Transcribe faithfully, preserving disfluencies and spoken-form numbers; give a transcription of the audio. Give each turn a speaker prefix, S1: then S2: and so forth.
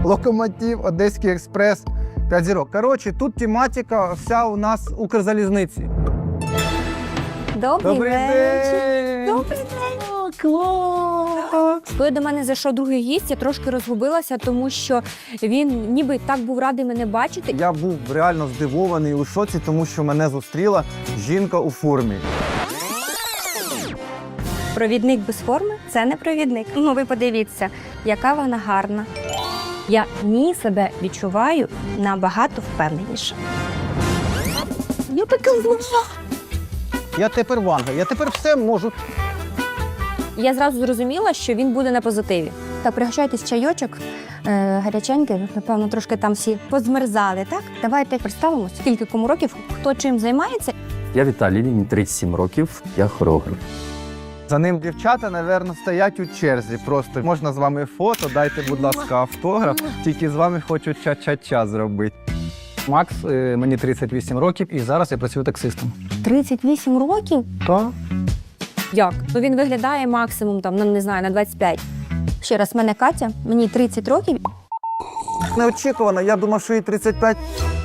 S1: Локомотив, Одеський експрес, п'ять зірок. Коротше, тут тематика вся у нас Укрзалізниці.
S2: Добрий,
S1: Добрий
S2: вечір.
S1: день!
S2: Добрий день! Клас! Коли до мене зайшов другий гість, я трошки розгубилася, тому що він ніби так був радий мене бачити.
S1: Я був реально здивований у шоці, тому що мене зустріла жінка у формі.
S2: Провідник без форми – це не провідник. Ну, ви подивіться, яка вона гарна. Я в ній себе відчуваю набагато впевненіше. Я така зла.
S1: Я тепер Ванга, я тепер все можу.
S2: Я зразу зрозуміла, що він буде на позитиві. Так, пригощайтесь чайочок, е, гаряченький, напевно, трошки там всі позмерзали, так? Давайте представимося, скільки кому років, хто чим займається.
S3: Я Віталій, мені тридцять сім років, я хореограф.
S1: За ним дівчата, напевно, стоять у черзі. Просто можна з вами фото, дайте, будь ласка, автограф. Тільки з вами хочу ча-ча-ча зробити.
S4: Макс, е, мені тридцять вісім років і зараз я працюю таксистом.
S2: тридцять вісім років?
S4: Так.
S2: Як? Ну він виглядає максимум, там, ну, не знаю, на двадцять п'ять. Ще раз, мене Катя, мені тридцять років.
S1: Неочікувано, я думав, що їй тридцять п'ять.